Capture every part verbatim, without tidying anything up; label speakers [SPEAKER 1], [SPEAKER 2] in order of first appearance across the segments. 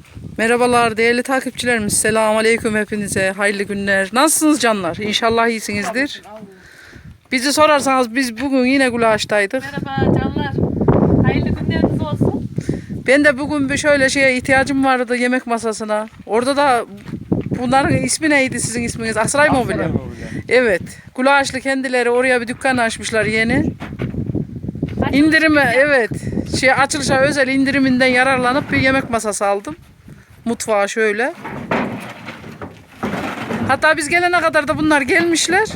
[SPEAKER 1] Merhabalar değerli takipçilerimiz. Selamun aleyküm hepinize. Hayırlı günler. Nasılsınız canlar? İnşallah iyisinizdir. Bizi sorarsanız biz bugün yine Gulaş'taydık.
[SPEAKER 2] Merhaba canlar. Hayırlı günleriniz olsun.
[SPEAKER 1] Ben de bugün bir şöyle şeye ihtiyacım vardı, yemek masasına. Orada da bunların ismi neydi, sizin isminiz? Asray Mobilya. Evet. Gulaşlı kendileri oraya bir dükkan açmışlar yeni. İndirime evet. Şey açılışa özel indiriminden yararlanıp bir yemek masası aldım. Mutfağa şöyle. Hatta biz gelene kadar da bunlar gelmişler.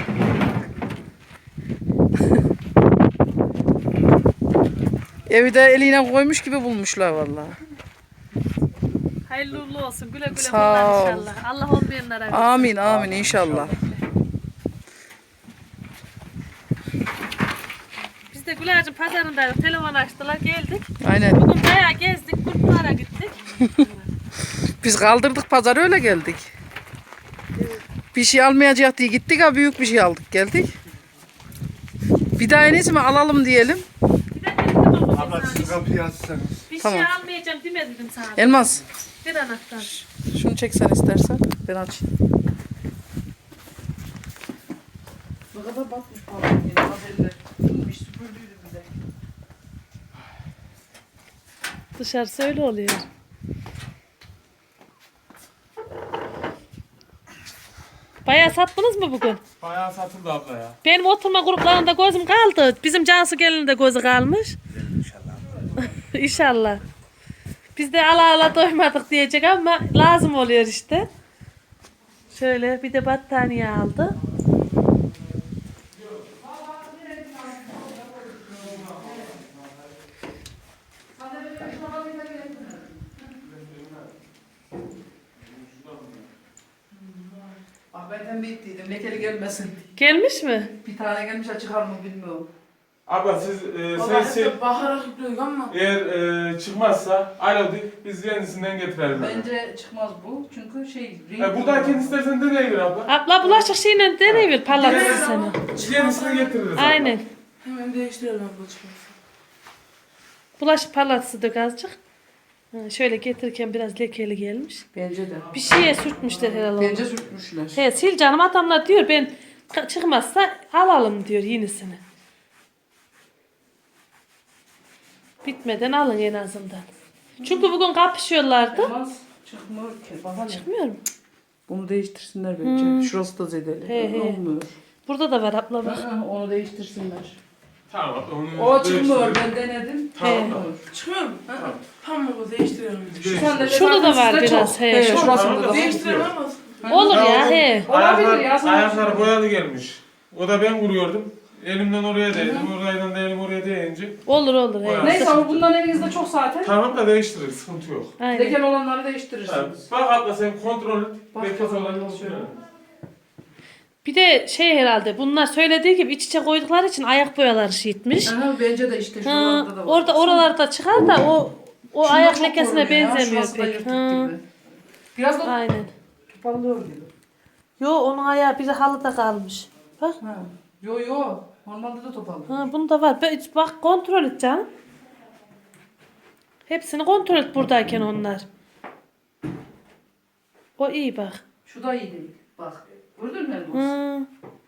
[SPEAKER 1] Evi de eliyle koymuş gibi bulmuşlar vallahi.
[SPEAKER 2] Hayırlı uğurlu olsun. Güle güle
[SPEAKER 1] Sağ
[SPEAKER 2] kullan
[SPEAKER 1] ol.
[SPEAKER 2] inşallah. Allah olmayanlara versin.
[SPEAKER 1] Amin amin inşallah.
[SPEAKER 2] Biz de Güler'cim pazarındaydık. Telefon açtılar geldik.
[SPEAKER 1] Aynen.
[SPEAKER 2] Bugün bayağı gezdik. Kurtlara gittik.
[SPEAKER 1] Biz kaldırdık pazarı öyle geldik. Bir şey almayacak diye gittik ha büyük bir şey aldık geldik. Bir daha en iyisi mi alalım diyelim.
[SPEAKER 2] Bir de dedim ama
[SPEAKER 3] Abla
[SPEAKER 2] sana
[SPEAKER 3] siz kapıyı açsanız.
[SPEAKER 2] bir
[SPEAKER 1] Tamam.
[SPEAKER 2] şey almayacağım demedim sana.
[SPEAKER 1] Elmas
[SPEAKER 2] Bir anahtar.
[SPEAKER 1] şunu çeksen istersen ben açayım. Ne kadar batmış pardon. Süpürdüydü bize.
[SPEAKER 2] Dışarısı öyle oluyor. Bayağı sattınız mı bugün?
[SPEAKER 3] Bayağı satıldı abla ya.
[SPEAKER 2] Benim oturma gruplarında gözüm kaldı. Bizim Cansu gelin de gözü kalmış.
[SPEAKER 3] İnşallah.
[SPEAKER 2] İnşallah. Biz de ala ala doymadık diyecek ama lazım oluyor işte. Şöyle bir de battaniye aldı.
[SPEAKER 1] Bak ben tembih ettiydim lekeli gelmesin.
[SPEAKER 2] Gelmiş mi?
[SPEAKER 1] Bir tane gelmiş çıkar mı bilmiyorum.
[SPEAKER 3] Abla siz e,
[SPEAKER 4] Valla
[SPEAKER 3] sen, sen
[SPEAKER 4] hep bakarak gidiyoruz ama
[SPEAKER 3] eğer e, çıkmazsa alo de, biz yenisinden getirelim.
[SPEAKER 1] Bence çıkmaz bu çünkü şey...
[SPEAKER 3] E, buradakini istersen deneyivir abla.
[SPEAKER 2] Abla bulaşık şeyle deneyiver parlatsın seni.
[SPEAKER 3] Yenisini getiririz abla.
[SPEAKER 2] Aynen.
[SPEAKER 4] hemen değiştirelim abla çıkmasın.
[SPEAKER 2] Bulaşık parlatısı dök azıcık. Ha, şöyle getirirken biraz lekeli gelmiş.
[SPEAKER 1] Bence de.
[SPEAKER 2] Bir şeye sürtmüşler herhalde.
[SPEAKER 1] Bence sürtmüşler.
[SPEAKER 2] He, sil canım adamlar diyor ben çıkmazsa alalım diyor yenisini. Bitmeden alın en azından. Çünkü bugün kapışıyorlardı.
[SPEAKER 1] Olmaz. Çıkmıyor ki. Bana ne?
[SPEAKER 2] Çıkmıyor mu?
[SPEAKER 1] Bunu değiştirsinler bence. Şurası da zedeli.
[SPEAKER 2] He, he.
[SPEAKER 1] Olmuyor.
[SPEAKER 2] Burada da var abla bak.
[SPEAKER 1] Ha, onu değiştirsinler.
[SPEAKER 3] Tamam abla onu
[SPEAKER 1] O çıkmıyor.
[SPEAKER 3] değiştirelim.
[SPEAKER 1] Ben denedim.
[SPEAKER 3] Tamam
[SPEAKER 2] He.
[SPEAKER 3] abla.
[SPEAKER 4] Çıkmıyor mu? Ha, pamuğu değiştirelim.
[SPEAKER 3] Değiştir.
[SPEAKER 1] sandalye
[SPEAKER 2] Şurada da
[SPEAKER 1] zaten
[SPEAKER 2] var
[SPEAKER 1] sizde
[SPEAKER 2] biraz,
[SPEAKER 1] çok.
[SPEAKER 2] he,
[SPEAKER 1] He,
[SPEAKER 2] şu-
[SPEAKER 1] şurasında da var.
[SPEAKER 4] Değiştirelim ama.
[SPEAKER 2] Olur ya
[SPEAKER 3] Tamam.
[SPEAKER 2] he.
[SPEAKER 1] Olabilir
[SPEAKER 3] Ayaklar,
[SPEAKER 1] ya, sana
[SPEAKER 3] ayaklar
[SPEAKER 1] şey-
[SPEAKER 3] boyalı gelmiş. O da ben vuruyordum. Elimden oraya değdim, oradan da elim oraya değince.
[SPEAKER 2] Olur olur he.
[SPEAKER 3] Bayağı.
[SPEAKER 1] Neyse ama bundan elinizde çok zaten.
[SPEAKER 3] Tamam da değiştiririz, sıkıntı yok.
[SPEAKER 2] Aynen.
[SPEAKER 1] Lekel olanları
[SPEAKER 3] Ha,
[SPEAKER 1] değiştirirsiniz.
[SPEAKER 3] bak abla sen kontrol et.
[SPEAKER 1] Bak
[SPEAKER 3] Bekle
[SPEAKER 1] bakalım,
[SPEAKER 3] falan
[SPEAKER 1] nasıl
[SPEAKER 3] kontrol et.
[SPEAKER 2] Bir de şey herhalde bunlar söylediği gibi iç içe koydukları için ayak boyaları şişmiş.
[SPEAKER 1] Aha, bence de işte
[SPEAKER 2] Ha,
[SPEAKER 1] şuralarda da var.
[SPEAKER 2] orada oralarda çıkar da o o
[SPEAKER 1] Şunda
[SPEAKER 2] ayak
[SPEAKER 1] çok
[SPEAKER 2] lekesine
[SPEAKER 1] görünüyor ya,
[SPEAKER 2] benzemiyor
[SPEAKER 1] şurası da
[SPEAKER 2] pek.
[SPEAKER 1] yırtık
[SPEAKER 2] Ha,
[SPEAKER 1] gibi. Biraz da
[SPEAKER 2] aynen.
[SPEAKER 1] toparlıyor gibi.
[SPEAKER 2] Yo onun ayağı biri halıda kalmış. Bak.
[SPEAKER 1] Ha. Yo yo. Normalde de toparlıyor.
[SPEAKER 2] Ha, bunda var. Be- Bak kontrol et canım. Hepsini kontrol et buradayken onlar. O iyi bak.
[SPEAKER 1] Şu da iyi değil. Bak. Gördün mü Elmas?
[SPEAKER 2] Hı.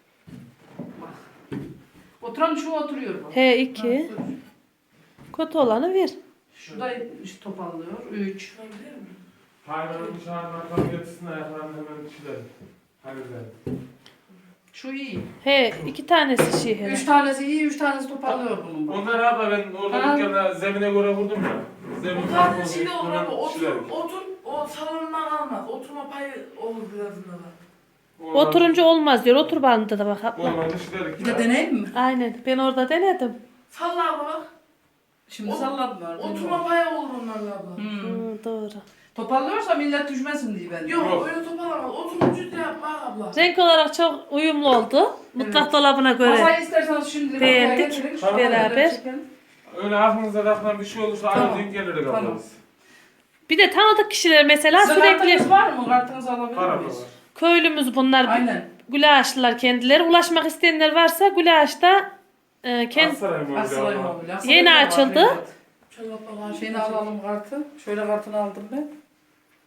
[SPEAKER 1] Oturan şu oturuyor bak.
[SPEAKER 2] He iki.
[SPEAKER 1] Ha, dur.
[SPEAKER 2] Kötü olanı ver.
[SPEAKER 1] Şu da işte toparlıyor. Üç.
[SPEAKER 3] Hayvanın dışarıdan arkamı getirsin ayaklarını hemen çizelim. Halledelim.
[SPEAKER 1] Şu iyi.
[SPEAKER 2] He iki tanesi şey herhalde.
[SPEAKER 1] Üç tanesi iyi, üç tanesi toparlıyor bunun bak.
[SPEAKER 3] Onlar abla ben orada
[SPEAKER 1] Ha.
[SPEAKER 3] dükkanda zemine göre vurdum ya. Zemin
[SPEAKER 4] O
[SPEAKER 3] farkı
[SPEAKER 4] kadar
[SPEAKER 3] oldu,
[SPEAKER 4] içinde olur
[SPEAKER 3] hemen
[SPEAKER 4] ama otur,
[SPEAKER 3] çizelim.
[SPEAKER 4] otur, o salondan almaz. Oturma payı olur birazında da.
[SPEAKER 3] Oradan-
[SPEAKER 2] Oturunca olmaz diyor. Otur bandında da bak abla.
[SPEAKER 3] Olmadı çizelim.
[SPEAKER 1] Bir de deneyim mi?
[SPEAKER 2] Aynen. Ben orada denedim.
[SPEAKER 4] Salla abla bak.
[SPEAKER 1] Şimdi
[SPEAKER 4] O-
[SPEAKER 1] salladım var.
[SPEAKER 4] Oturma payı olur onlarla abla.
[SPEAKER 1] Hmm.
[SPEAKER 2] Hı, doğru.
[SPEAKER 1] Toparlıyorsa millet düşmesin diye ben.
[SPEAKER 4] Yok,
[SPEAKER 3] Yok.
[SPEAKER 4] öyle toparlamaz. Oturunca da yapma abla.
[SPEAKER 2] Renk olarak çok uyumlu oldu. Mutfak dolabına göre.
[SPEAKER 1] Masayı isterseniz şimdilik
[SPEAKER 2] Beğendik.
[SPEAKER 1] ortaya getirin.
[SPEAKER 3] Tamam.
[SPEAKER 2] Beraber.
[SPEAKER 1] Çekelim.
[SPEAKER 3] Öyle aklınıza takılan bir şey olursa
[SPEAKER 1] Tamam.
[SPEAKER 3] aynı denk geliriz abla
[SPEAKER 1] Tamam.
[SPEAKER 3] biz.
[SPEAKER 2] Bir de tanıdık kişiler mesela
[SPEAKER 1] Sizin
[SPEAKER 2] sürekli
[SPEAKER 1] kartınız var mı? Kartınızı alabilir
[SPEAKER 3] Var abla
[SPEAKER 1] miyiz?
[SPEAKER 3] var.
[SPEAKER 2] köylümüz bunlar.
[SPEAKER 1] Aynen.
[SPEAKER 2] Gülaşlılar kendileri. Ulaşmak isteyenler varsa Gülaş'ta e, kend...
[SPEAKER 3] Aksaray mı
[SPEAKER 1] Asılay
[SPEAKER 3] oldu
[SPEAKER 1] mı
[SPEAKER 3] abla?
[SPEAKER 1] oluyor?
[SPEAKER 2] Yeni
[SPEAKER 1] Asılay da var,
[SPEAKER 2] açıldı.
[SPEAKER 1] evet.
[SPEAKER 4] Şöyle abla var.
[SPEAKER 1] Şeyini alalım kartı. Şöyle kartını aldım ben.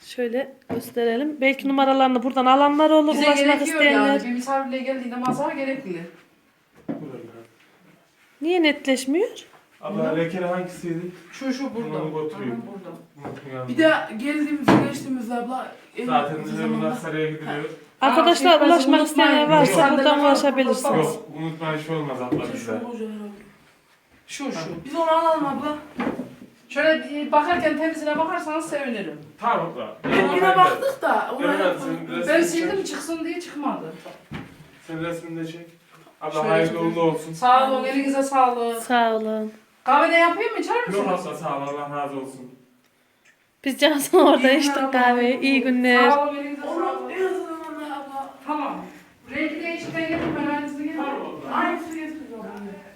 [SPEAKER 2] Şöyle gösterelim. Belki numaralarını buradan alanlar olur.
[SPEAKER 1] Bize
[SPEAKER 2] Ulaşmak
[SPEAKER 1] gerekiyor
[SPEAKER 2] isteyenler.
[SPEAKER 1] yani. Bir misafirliğe geldiğinde masa gerekli.
[SPEAKER 2] Niye netleşmiyor?
[SPEAKER 3] Abla lekeli hangisiydi?
[SPEAKER 1] Şu şu burada.
[SPEAKER 3] Bunu götüreyim.
[SPEAKER 1] Aha, burada.
[SPEAKER 3] Unuttum yani.
[SPEAKER 4] Bir de geldiğimizde geçtiğimizde abla. en
[SPEAKER 3] Zaten
[SPEAKER 4] kısa
[SPEAKER 3] bizim
[SPEAKER 4] zamanda-
[SPEAKER 3] Aksaray'a gidiliyor.
[SPEAKER 2] Arkadaşlar
[SPEAKER 1] şey,
[SPEAKER 2] ulaşmak
[SPEAKER 1] unutmayın.
[SPEAKER 2] isteyenler varsa
[SPEAKER 1] Yok.
[SPEAKER 2] buradan ulaşabilirsiniz.
[SPEAKER 3] Yok unutma iş olmaz abla
[SPEAKER 4] Şu
[SPEAKER 3] bizde.
[SPEAKER 4] hoca herhalde.
[SPEAKER 1] Şu şu.
[SPEAKER 4] Biz onu alalım abla.
[SPEAKER 1] Şöyle bir bakarken temizine bakarsanız sevinirim.
[SPEAKER 3] Tamam abla.
[SPEAKER 4] Yine baktık da.
[SPEAKER 3] Evet,
[SPEAKER 4] Oraya
[SPEAKER 3] sen
[SPEAKER 1] Ben
[SPEAKER 3] resmini
[SPEAKER 1] sildim
[SPEAKER 3] çek.
[SPEAKER 1] çıksın diye çıkmadı.
[SPEAKER 3] Sen resmini de çek. Abla
[SPEAKER 1] Şöyle
[SPEAKER 3] hayırlı
[SPEAKER 1] çekeyim.
[SPEAKER 3] uğurlu olsun.
[SPEAKER 1] Sağ olun, elinize sağlık.
[SPEAKER 2] Sağ olun.
[SPEAKER 1] Kahve de yapayım mı, içer
[SPEAKER 3] Yok
[SPEAKER 1] misiniz?
[SPEAKER 3] abla sağ ol Allah razı olsun.
[SPEAKER 2] Biz Cansu'nun orada
[SPEAKER 1] İyi
[SPEAKER 2] içtik
[SPEAKER 1] günler
[SPEAKER 2] kahveyi.
[SPEAKER 1] abla.
[SPEAKER 2] İyi günler.
[SPEAKER 1] Sağ olun, elinize
[SPEAKER 4] Onu
[SPEAKER 1] sağlık.
[SPEAKER 4] en azından ona abla.
[SPEAKER 1] Tamam. Rengi değişikten getirdim, ben aynısını getirdim.
[SPEAKER 4] Aynısı getirdik abla.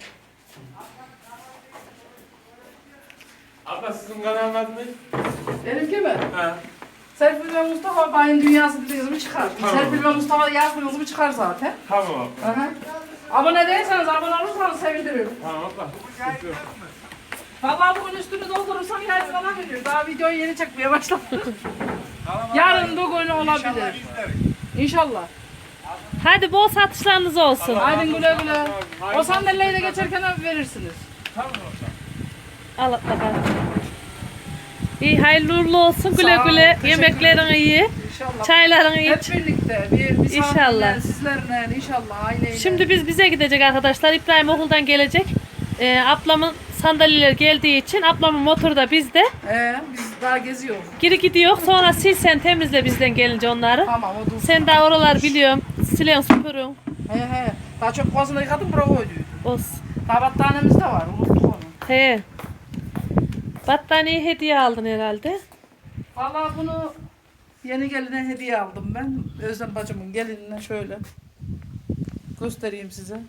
[SPEAKER 3] Abla sizin kanalın adı ne?
[SPEAKER 1] Benimki mi?
[SPEAKER 3] He.
[SPEAKER 1] Serpil ve Mustafa Bay'ın Dünyası dediğiniz mi çıkar.
[SPEAKER 3] Tamam.
[SPEAKER 1] Serpil ve Mustafa yazdığınız mı çıkar zaten.
[SPEAKER 3] Tamam abla.
[SPEAKER 1] Aha. Abone değilseniz, abone olursanız sevinirim.
[SPEAKER 3] Tamam abla. Sıkıntı yok.
[SPEAKER 1] Vallahi bugün üstünü doldurursam yarın falan veriyor. Daha videoyu yeni çekmeye başladık. Yarın bugün olabilir. İnşallah.
[SPEAKER 2] Hadi bol satışlarınız olsun.
[SPEAKER 1] Haydi güle güle. O sandalyeyi de geçerken abi verirsiniz.
[SPEAKER 3] Tamam abla.
[SPEAKER 2] Al at bakalım. İyi hayırlı uğurlu olsun. Güle
[SPEAKER 1] Sağ ol,
[SPEAKER 2] güle.
[SPEAKER 1] teşekkür
[SPEAKER 2] Yemeklerin iyi.
[SPEAKER 1] İnşallah.
[SPEAKER 2] Çayların
[SPEAKER 1] Hep
[SPEAKER 2] iç.
[SPEAKER 1] birlikte. Bir misafirler,
[SPEAKER 2] İnşallah.
[SPEAKER 1] sizlerle, inşallah aileyle.
[SPEAKER 2] Şimdi biz bize gidecek arkadaşlar. İbrahim okuldan gelecek. Ee, ablamın sandalyeler geldiği için ablamın motoru da bizde.
[SPEAKER 1] Ee, biz daha geziyoruz.
[SPEAKER 2] Geri gidiyor. Sonra sil sen temizle bizden gelince onları.
[SPEAKER 1] Tamam o dursun.
[SPEAKER 2] Sen daha oralar biliyorum. Silen süpürün.
[SPEAKER 1] He he. Daha çok kovasını yıkadım, bura koyduk.
[SPEAKER 2] Olsun.
[SPEAKER 1] Daha battaniyemiz de var, unuttuk onu.
[SPEAKER 2] He. Battaniye hediye aldın herhalde.
[SPEAKER 1] Vallahi bunu yeni geline hediye aldım ben. Özlem bacımın gelinine şöyle göstereyim size.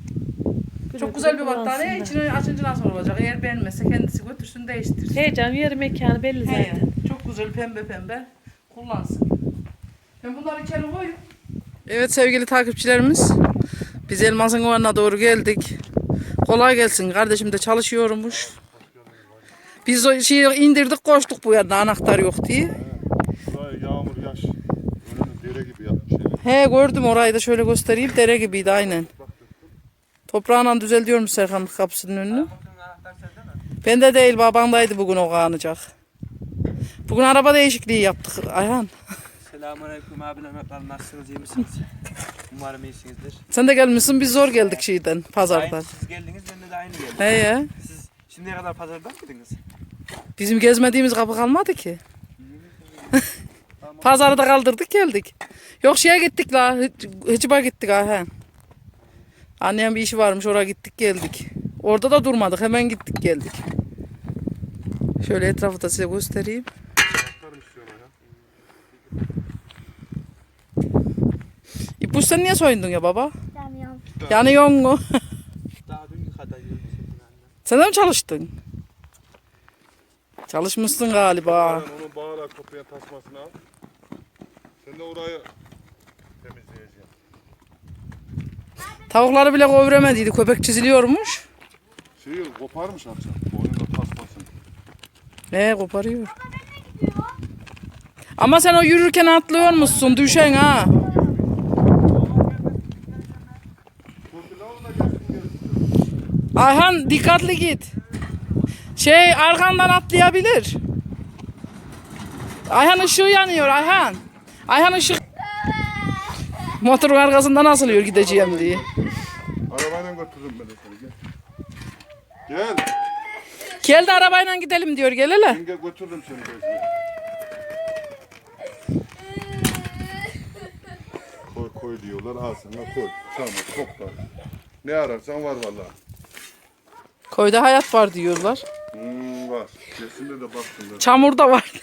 [SPEAKER 1] Çok güzel bir battaniye.
[SPEAKER 2] İçine...
[SPEAKER 1] İçini açınca nasıl olacak? Eğer beğenmezse kendisi götürsün, değiştirsin.
[SPEAKER 2] Heyecan yeri mekanı belli
[SPEAKER 1] He,
[SPEAKER 2] zaten.
[SPEAKER 1] çok güzel pembe pembe kullansın. Ben bunları içeri koyayım. Evet sevgili takipçilerimiz. Biz Elmas'ın oğluna doğru geldik. Kolay gelsin. Kardeşim de çalışıyormuş. Biz o şeyi indirdik, koştuk bu yana anahtar yok diye.
[SPEAKER 5] Buraya yağmur yaş. Önünü dere gibi yapmış.
[SPEAKER 1] He gördüm, orayı da şöyle göstereyim. Dere gibiydi aynen. Toprağla düzeltiyormuş Serkan'ın kapısının önünü. Bende değil, babandaydı bugün o kaanacak. Bugün araba değişikliği yaptık Ayhan.
[SPEAKER 6] Selamünaleyküm abiler, merhabalar, nasılsınız, iyi misiniz? Umarım iyisinizdir.
[SPEAKER 1] Sen de gelmişsin, biz zor geldik şeyden, pazardan.
[SPEAKER 6] Aynı, siz geldiniz, ben de, de aynı geldim.
[SPEAKER 1] He ya.
[SPEAKER 6] Siz şimdiye kadar pazardan mıydınız?
[SPEAKER 1] Bizim gezmediğimiz kapı kalmadı ki. Pazarı da kaldırdık geldik. Yok şeye gittik la. Hıcıba gittik ha. Annem bir işi varmış, oraya gittik geldik. Orada da durmadık, hemen gittik geldik. Şöyle etrafı da size göstereyim. İpuç sen niye soyundun ya baba?
[SPEAKER 7] Yanıyorum.
[SPEAKER 1] Yanıyor mu?
[SPEAKER 6] Daha dün kadar yürüdüm annem.
[SPEAKER 1] Sen de mi çalıştın? Çalışmışsın galiba.
[SPEAKER 5] Onu bağla kopya tasmasını al. Sen de orayı temizleyeceksin.
[SPEAKER 1] Tavukları bile kovremediydi, köpek çiziliyormuş.
[SPEAKER 5] Şeyi koparmış akşam. Boynunda tasmasını.
[SPEAKER 1] Ne koparıyor. Ama sen o yürürken atlıyor musun? Düşen ha. Ayhan dikkatli git. Şey arkandan atlayabilir. Ayhan ışığı yanıyor Ayhan. Ayhan ışık. Motorun arkasından asılıyor gideceğim diye.
[SPEAKER 5] Arabayla götürürüm ben de seni. Gel. Gel.
[SPEAKER 1] Gel de arabayla gidelim diyor, gel hele.
[SPEAKER 5] Ben gel götürürüm seni gezmeye. Koy koy diyorlar. Al sana koy. Tamam topla. Ne ararsan var vallahi.
[SPEAKER 1] Koyda hayat var diyorlar.
[SPEAKER 5] Hmm, var. Kesinlikle de baktım.
[SPEAKER 1] Çamur da var.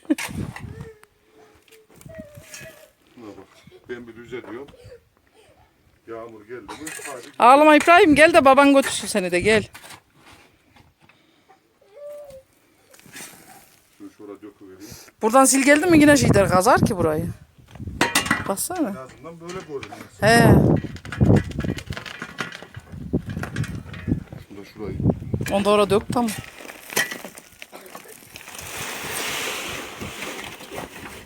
[SPEAKER 5] Buna bak. Ben bir düzeliyorum. Yağmur geldi mi? Hadi.
[SPEAKER 1] Ağlama İbrahim, gel de baban götürsün seni de, gel.
[SPEAKER 5] Şunu şuraya döküvereyim.
[SPEAKER 1] Buradan sil geldi mi yine şeyler kazar ki burayı. Baksana.
[SPEAKER 5] En azından böyle görünüyor.
[SPEAKER 1] He.
[SPEAKER 5] Şurada şurayı.
[SPEAKER 1] Onu da oraya dök, tamam.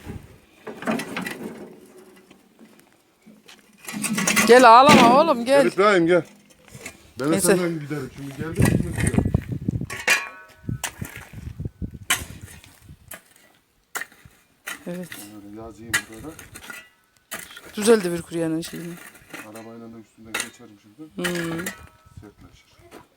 [SPEAKER 1] Gel ağlama oğlum
[SPEAKER 5] Gel
[SPEAKER 1] gel.
[SPEAKER 5] İbrahim gel. Ben de
[SPEAKER 1] Neyse.
[SPEAKER 5] senden giderim. Şimdi geldim. Şimdi giderim.
[SPEAKER 1] Evet.
[SPEAKER 5] Böyle yazayım burada.
[SPEAKER 1] Düzeldi bir kuryenin şeyini.
[SPEAKER 5] Arabayla da üstünden geçerim şimdi.
[SPEAKER 1] Hmm.
[SPEAKER 5] Sertleşir.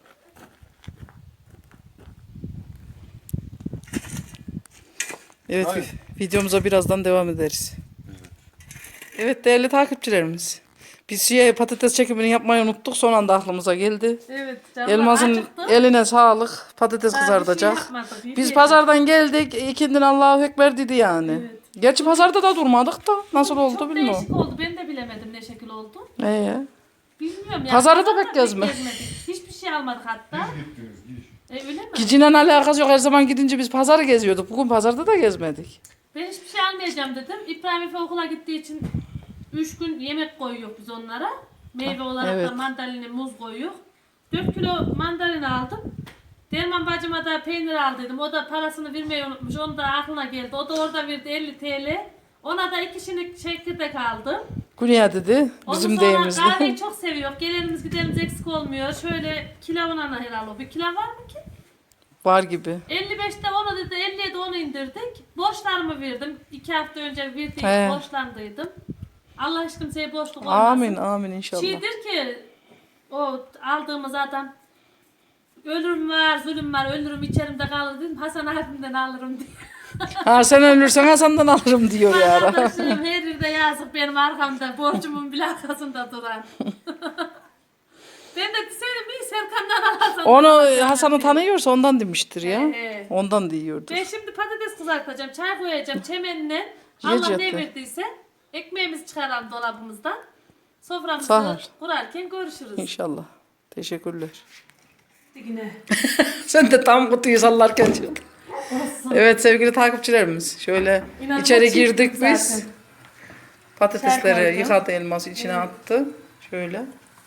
[SPEAKER 1] Evet
[SPEAKER 5] Hayır.
[SPEAKER 1] vi- videomuza birazdan devam ederiz. Evet değerli takipçilerimiz. Biz şey, patates çekimini yapmayı unuttuk. Son anda aklımıza geldi.
[SPEAKER 2] Evet canım.
[SPEAKER 1] Elmas'ın
[SPEAKER 2] acıktım.
[SPEAKER 1] eline sağlık. Patates
[SPEAKER 2] Daha bir
[SPEAKER 1] kızartacak.
[SPEAKER 2] şey yapmadık,
[SPEAKER 1] Biz
[SPEAKER 2] yürüyelim.
[SPEAKER 1] pazardan geldik. İkindin Allahu Ekber dedi yani.
[SPEAKER 2] Evet.
[SPEAKER 1] Gerçi pazarda da durmadık da. Nasıl oldu
[SPEAKER 2] Çok
[SPEAKER 1] bilmiyorum.
[SPEAKER 2] değişik oldu. Ben de bilemedim ne şekil oldu.
[SPEAKER 1] Ee,
[SPEAKER 2] Bilmiyorum ya.
[SPEAKER 1] Pazarı da
[SPEAKER 2] Pazarda
[SPEAKER 1] pek gezme.
[SPEAKER 2] gezmedik. Hiçbir şey almadık hatta.
[SPEAKER 5] Gittiniz gidiş.
[SPEAKER 2] E, öyle mi?
[SPEAKER 1] Gicinen alakası yok. Her zaman gidince biz pazarı geziyorduk. Bugün pazarda da gezmedik.
[SPEAKER 2] Ben hiçbir şey almayacağım dedim. İbrahim Efe okula gittiği için üç gün yemek koyuyor biz onlara. Meyve olarak
[SPEAKER 1] evet.
[SPEAKER 2] da mandalina, muz koyuyor. dört kilo mandalina aldım. Derman bacıma da peynir aldıydım. O da parasını vermeyi unutmuş. Onu da aklına geldi. O da orada verdi elli TL. Ona da iki şinik çekirdek aldım.
[SPEAKER 1] Güney dedi. Bizim
[SPEAKER 2] Ondan sonra
[SPEAKER 1] deyimizde.
[SPEAKER 2] kahveyi çok seviyor. Gelenimiz giderimiz eksik olmuyor. Şöyle kilavına herhalde o. Bir kilo var mı ki?
[SPEAKER 1] Var gibi.
[SPEAKER 2] elli beşte onu dedi, elliye de onu indirdik. Borçlarımı verdim. İki hafta önce verdiğim
[SPEAKER 1] He.
[SPEAKER 2] borçlandıydım. Allah hiç kimseye borçluk olmasın.
[SPEAKER 1] Amin amin inşallah.
[SPEAKER 2] Şeydir ki o aldığımız adam ölürüm var, zulüm var, ölürüm içerimde kalır dedim. Hasan abimden alırım diye.
[SPEAKER 1] Ha sen ölürsen Hasan'dan alırım diyor ya.
[SPEAKER 2] Arkadaşlarım her yerde yazık benim arkamda, borcumun bile arkasında duran. Ben de deseydim iyi Serkan'dan alırsan.
[SPEAKER 1] Onu Hasan'ı tanıyorsa ondan demiştir ya.
[SPEAKER 2] He, he.
[SPEAKER 1] Ondan diyordur.
[SPEAKER 2] Ben şimdi patates kızartacağım, çay koyacağım çemenle.
[SPEAKER 1] Yiyecek
[SPEAKER 2] Allah ne
[SPEAKER 1] de.
[SPEAKER 2] verdiyse ekmeğimizi çıkaralım dolabımızdan. Soframızı
[SPEAKER 1] Sağ ol.
[SPEAKER 2] kurarken görüşürüz.
[SPEAKER 1] İnşallah. Teşekkürler.
[SPEAKER 2] Yine.
[SPEAKER 1] Sen de tam kutuyu sallarken çıktın. Evet sevgili takipçilerimiz. Şöyle
[SPEAKER 2] İnanılmaz
[SPEAKER 1] içeri
[SPEAKER 2] çirkin
[SPEAKER 1] girdik
[SPEAKER 2] zaten.
[SPEAKER 1] biz. Patatesleri
[SPEAKER 2] Çay koydum.
[SPEAKER 1] yıkadı Elmas içine attı. Şöyle.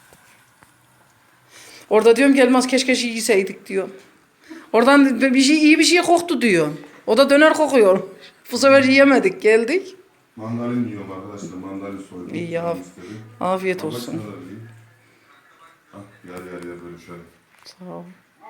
[SPEAKER 1] Orada diyorum ki Elmas keşke şey yeseydik diyor. Oradan bir şey iyi bir şey koktu diyor. O da döner kokuyor. Bu sefer yiyemedik geldik.
[SPEAKER 5] Mandalin yiyorum arkadaşlar. Mandalin soydum.
[SPEAKER 1] İyi ya.
[SPEAKER 5] Canım istedi.
[SPEAKER 1] Afiyet
[SPEAKER 5] Bak
[SPEAKER 1] olsun.
[SPEAKER 5] şuna da vereyim. Hah, yer yer yer böyle şöyle.
[SPEAKER 1] Sağ ol.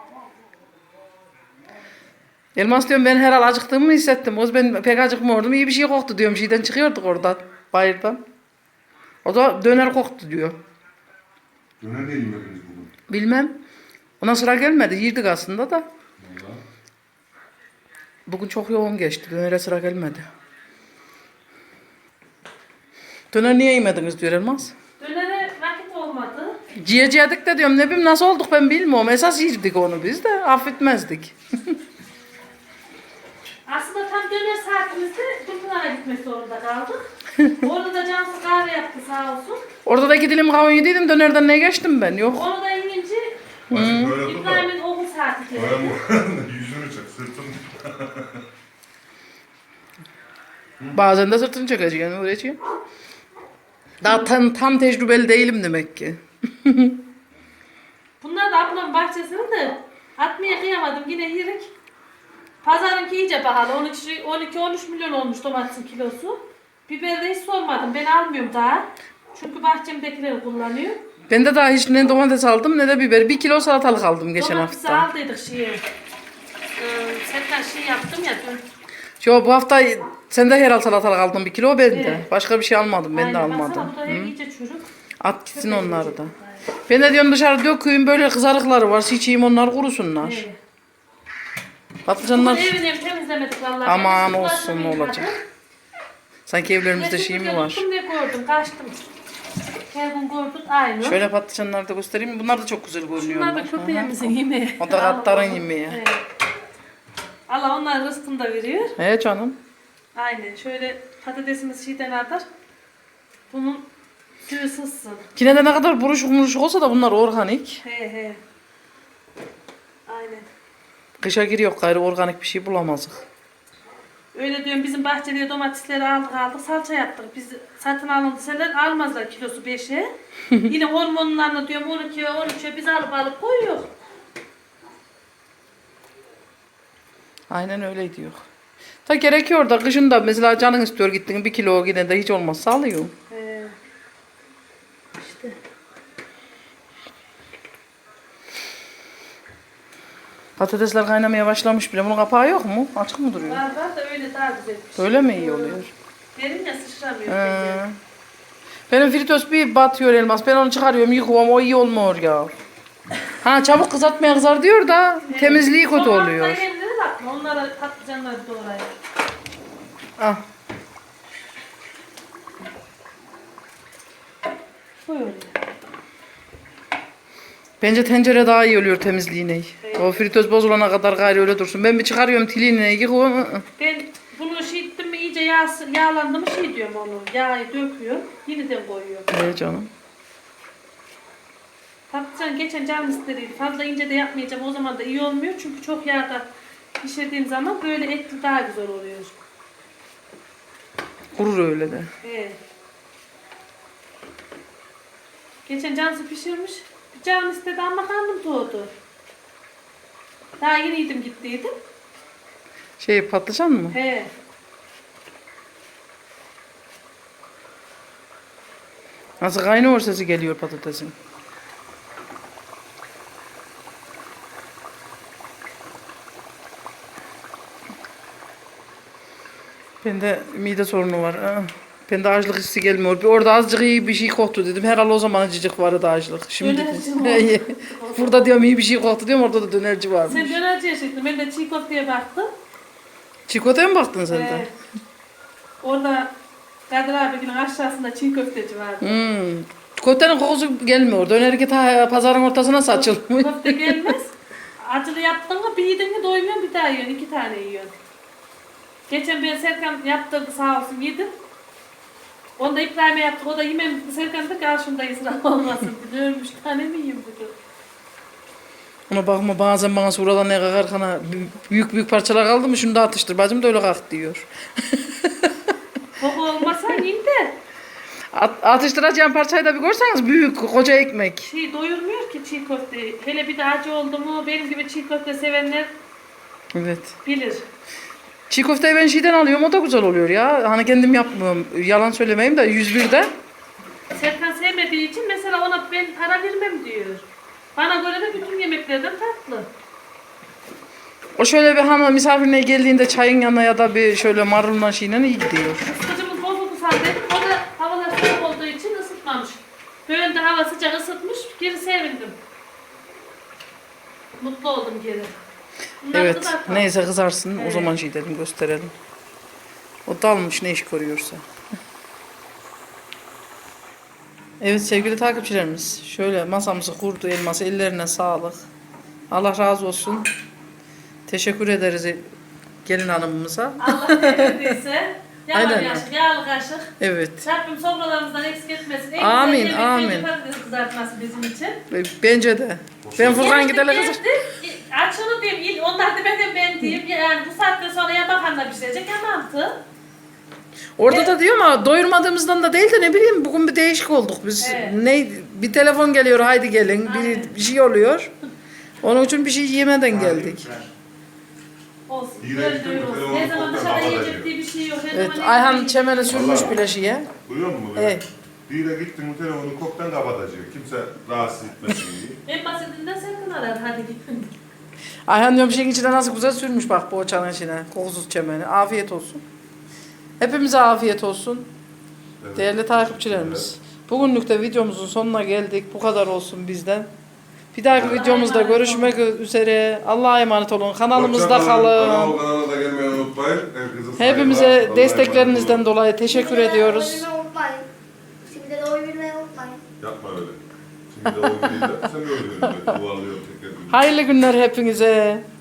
[SPEAKER 1] Elmas diyorum ben herhal acıktığımı hissettim. O ben pek acıkmıyordum. İyi bir şey koktu diyorum. Şeyden çıkıyorduk oradan. Bayırdan. O da döner koktu diyor.
[SPEAKER 5] Döner de yemediniz bugün.
[SPEAKER 1] Bilmem. Ona sıra gelmedi. Yirdik aslında da.
[SPEAKER 5] Valla.
[SPEAKER 1] Bugün çok yoğun geçti. Dönere sıra gelmedi. Döner niye yemediniz diyor Elmas.
[SPEAKER 2] Dönere vakit olmadı.
[SPEAKER 1] Yiyecektik de diyorum ne bileyim nasıl olduk ben bilmiyorum. Esas yirdik onu biz de affetmezdik.
[SPEAKER 2] Aslında tam döner saatimizde Gülpınar'a gitmek zorunda kaldık. Orada da Cansu kahve yaptı sağ olsun.
[SPEAKER 1] Orada da iki dilim kavun yediydim dönerden ne geçtim ben yok.
[SPEAKER 2] Onu da inince
[SPEAKER 5] Bacım böyle dur da.
[SPEAKER 2] İbrahim'in okul saati geldi.
[SPEAKER 5] Böyle yüzünü çek sırtını.
[SPEAKER 1] Bazen de sırtını çekeceksin yani öğretiyor. Daha tam, tam tecrübeli değilim demek ki.
[SPEAKER 2] Bunlar da ablamın bahçesini de atmaya kıyamadım yine yirik. Pazarınki iyice pahalı. on iki on üç milyon olmuş domatesin kilosu. Biberi de hiç sormadım. Ben almıyorum daha. Çünkü bahçemdekileri kullanıyor.
[SPEAKER 1] Ben de daha hiç ne domates aldım ne de biber. Bir kilo salatalık aldım geçen
[SPEAKER 2] Domatesi
[SPEAKER 1] hafta.
[SPEAKER 2] aldıydık şeye. Ee, Serkan şey yaptım ya dün.
[SPEAKER 1] Yo bu hafta sen de herhal salatalık aldın bir kilo ben de.
[SPEAKER 2] Evet.
[SPEAKER 1] Başka bir şey almadım ben de
[SPEAKER 2] Aynen,
[SPEAKER 1] almadım.
[SPEAKER 2] baksana bu da hep iyice çürük.
[SPEAKER 1] At gitsin onları da. Ben de diyorum dışarı döküyüm böyle kızarıkları var. Sıçayım onlar kurusunlar.
[SPEAKER 2] Evet.
[SPEAKER 1] Patlıcanlar
[SPEAKER 2] Bugün evini hem temizlemedik vallahi.
[SPEAKER 1] aman
[SPEAKER 2] Ben de
[SPEAKER 1] olsun
[SPEAKER 2] bulaşımı
[SPEAKER 1] ne olacak.
[SPEAKER 2] yıkadım.
[SPEAKER 1] Sanki evlerimizde
[SPEAKER 2] Ne
[SPEAKER 1] şey mi
[SPEAKER 2] süpürge
[SPEAKER 1] var?
[SPEAKER 2] tuttum ne gördüm kaçtım. Her gün gördük aynı.
[SPEAKER 1] Şöyle patlıcanları da göstereyim. Bunlar da çok güzel
[SPEAKER 2] Bunlar da
[SPEAKER 1] görünüyorlar.
[SPEAKER 2] köpeğimizin yemeği.
[SPEAKER 1] O da katların yemeği.
[SPEAKER 2] Evet. Allah onlar rızkını da veriyor.
[SPEAKER 1] He canım.
[SPEAKER 2] Aynen. Şöyle patatesimiz şeyden atar. Bunun suyu sızsın.
[SPEAKER 1] Yine de ne kadar buruşuk buruşuk olsa da bunlar organik.
[SPEAKER 2] He he. Aynen.
[SPEAKER 1] Kışa giriyor gayrı organik bir şey bulamazdık.
[SPEAKER 2] Öyle diyorum bizim bahçede domatesleri aldık aldık salça yaptık. Biz satın alındıseler almazlar kilosu beşe. Yine hormonlarını diyorum on ikiye on üçe biz alıp alıp koyuyoruz.
[SPEAKER 1] Aynen öyle diyor. Ta gerekiyor da kışın da mesela canın istiyor gittin bir kilo yine de hiç olmazsa alıyor.
[SPEAKER 2] He. İşte.
[SPEAKER 1] Patatesler kaynamaya başlamış bile. Bunun kapağı yok mu? Açık mı duruyor?
[SPEAKER 2] Var var da öyle daha güzel pişiyor.
[SPEAKER 1] Böyle mi iyi oluyor?
[SPEAKER 2] Derin ya sıçramıyor.
[SPEAKER 1] Ee,
[SPEAKER 2] bence.
[SPEAKER 1] benim fritöz bir batıyor Elmas. Ben onu çıkarıyorum, yıkıyorum. O iyi olmuyor ya. Ha çabuk kızartmaya kızar diyor da
[SPEAKER 2] Evet.
[SPEAKER 1] temizliği kötü
[SPEAKER 2] Soğanla
[SPEAKER 1] oluyor.
[SPEAKER 2] yerlere bakma. Onlara patlıcanları doğrayın.
[SPEAKER 1] Ah.
[SPEAKER 2] Buyur.
[SPEAKER 1] Bence tencere daha iyi oluyor temizliğine.
[SPEAKER 2] Evet.
[SPEAKER 1] O fritöz bozulana kadar gayrı öyle dursun. Ben bir çıkarıyorum tiliğine yıkıyorum. ı, ı.
[SPEAKER 2] Ben bunu şey ettim mi iyice yağ, yağlandı mı şey diyorum onu. Yağı döküyor. Yeniden koyuyorum.
[SPEAKER 1] Evet canım.
[SPEAKER 2] Patlıcan geçen canım istediydi. Fazla ince de yapmayacağım. O zaman da iyi olmuyor. Çünkü çok yağda pişirdiğim zaman böyle etli daha güzel oluyor.
[SPEAKER 1] Kurur öyle de.
[SPEAKER 2] Evet. Geçen cansı pişirmiş. Bir canım istedi ama karnım doğdu. Daha yeniydim gittiydim.
[SPEAKER 1] Şey patlıcan mı?
[SPEAKER 2] He.
[SPEAKER 1] Nasıl kaynıyor sesi geliyor patatesin. Bende mide sorunu var. Ah, bende açlık hissi gelmiyor. Bir orada azıcık iyi bir şey koktu dedim. Herhalde o zaman acıcık vardı açlık. Şimdi
[SPEAKER 2] Dönerci mi
[SPEAKER 1] burada diyorum iyi bir şey koktu diyorum. Orada da dönerci varmış.
[SPEAKER 2] Sen dönerci yaşaydın. Ben de çiğ köfteye baktım.
[SPEAKER 1] Çikolataya mı baktın sen de?
[SPEAKER 2] Ee, orada Kadir abinin aşağısında çiğ köfteci vardı.
[SPEAKER 1] Hmm. Köftenin kokusu gelmiyor. Dönerki ta pazarın ortasına saçılmış.
[SPEAKER 2] Köfte gelmez. Acılı yaptın mı bir yedin mi doymuyorsun bir daha yiyorsun. İki tane yiyorsun. Geçen bir Serkan yaptırdı sağ olsun yedim. Onu da İbrahim'e yaptık. O da yemem. Serkan da karşımda israf olmasın dedi. Ölmüş tane mi yiyeyim dedi.
[SPEAKER 1] Ona bakma bazen bana suradan ne kakar kana büyük büyük parçalar kaldı mı şunu da atıştır. Bacım da öyle kalk diyor.
[SPEAKER 2] Koku olmasa yiyin de.
[SPEAKER 1] At, atıştıracağım parçayı da bir görseniz büyük koca ekmek.
[SPEAKER 2] Şey doyurmuyor ki çiğ köfte. Hele bir de acı oldu mu benim gibi çiğ köfte sevenler
[SPEAKER 1] Evet.
[SPEAKER 2] bilir.
[SPEAKER 1] Çiğ köfteyi ben şeyden alıyorum o da güzel oluyor ya. Hani kendim yapmıyorum. Yalan söylemeyeyim de yüz birde.
[SPEAKER 2] Serkan sevmediği için mesela ona ben para vermem diyor. Bana göre de bütün yemeklerden tatlı.
[SPEAKER 1] O şöyle bir hani misafirine geldiğinde çayın yanına ya da bir şöyle marulla şeyle iyi gidiyor.
[SPEAKER 2] Kızımız bozuldu sandım. O da havalar soğuk olduğu için ısıtmamış. Böyle de hava sıcak ısıtmış. Geri sevindim. Mutlu oldum geri. Bunları
[SPEAKER 1] Evet.
[SPEAKER 2] kızartma.
[SPEAKER 1] Neyse kızarsın. O
[SPEAKER 2] Evet.
[SPEAKER 1] zaman şey dedim gösterelim. O dalmış ne iş görüyorsa. Evet sevgili takipçilerimiz. Şöyle masamızı kurdu elması. Ellerine sağlık. Allah razı olsun. Teşekkür ederiz gelin hanımımıza.
[SPEAKER 2] Allah ne verdiyse. Yalan
[SPEAKER 1] Aynen.
[SPEAKER 2] yaşık, yağlı kaşık.
[SPEAKER 1] Evet.
[SPEAKER 2] Rabbim sofralarımızdan eksik etmesin. En
[SPEAKER 1] Amin,
[SPEAKER 2] güzel yemek
[SPEAKER 1] amin.
[SPEAKER 2] bence patates kızartması bizim için.
[SPEAKER 1] Bence de. Ben Furkan giderle kızar.
[SPEAKER 2] Açını diyeyim, il- onlar demeden ben diyeyim. Yani bu saatten sonra ya bakanla pişirecek ya mantı.
[SPEAKER 1] Orada da diyor ama doyurmadığımızdan da değil de ne bileyim bugün bir değişik olduk biz.
[SPEAKER 2] Evet.
[SPEAKER 1] Ne bir telefon geliyor haydi gelin
[SPEAKER 2] Aynen.
[SPEAKER 1] bir, bir şey oluyor. Onun için bir şey yemeden geldik.
[SPEAKER 2] Olsun.
[SPEAKER 5] Yine
[SPEAKER 2] Böyle
[SPEAKER 5] gittim,
[SPEAKER 2] de öyle olsun.
[SPEAKER 5] telefonu
[SPEAKER 2] Ne zaman
[SPEAKER 5] kopya
[SPEAKER 2] dışarıda
[SPEAKER 5] babada
[SPEAKER 2] yiyecek
[SPEAKER 5] diyor.
[SPEAKER 2] diye bir şey yok. Her
[SPEAKER 1] Evet
[SPEAKER 2] zaman
[SPEAKER 1] Ayhan
[SPEAKER 2] evde
[SPEAKER 1] çemene sürmüş
[SPEAKER 5] Vallahi.
[SPEAKER 1] bile şeye.
[SPEAKER 5] Duyuyor musun?
[SPEAKER 1] Evet.
[SPEAKER 5] Bir de gittin bu telefonu koktan kapatacak. Kimse rahatsız etmesin diye.
[SPEAKER 2] en basitinden Serkan arar hadi gidin.
[SPEAKER 1] Ayhan diyorum şeyin içine nasıl güzel sürmüş bak poğaçanın içine. Kokusuz çemeni. Afiyet olsun. Hepimize afiyet olsun.
[SPEAKER 5] Evet.
[SPEAKER 1] Değerli takipçilerimiz. Bugünlük de videomuzun sonuna geldik. Bu kadar olsun bizden. Bir dahaki
[SPEAKER 2] Allah'a
[SPEAKER 1] videomuzda
[SPEAKER 2] emanet
[SPEAKER 1] görüşmek üzere. Allah'a emanet olun. Kanalımızda
[SPEAKER 5] Hoşça kalın.
[SPEAKER 1] kalın.
[SPEAKER 5] Kanal- Kanala da gelmeyi unutmayın. Herkese saygılar.
[SPEAKER 1] Hepimize
[SPEAKER 5] Allah'a
[SPEAKER 1] desteklerinizden
[SPEAKER 5] emanet olun.
[SPEAKER 1] dolayı teşekkür ediyoruz.
[SPEAKER 7] Şimdi de oy unutmayın. Şimdi de oy vermeyi unutmayın.
[SPEAKER 5] Yapma öyle. Şimdi de o değil de sen de öyle. Duvarlıyor tekrar.
[SPEAKER 1] Hayırlı günler hepinize.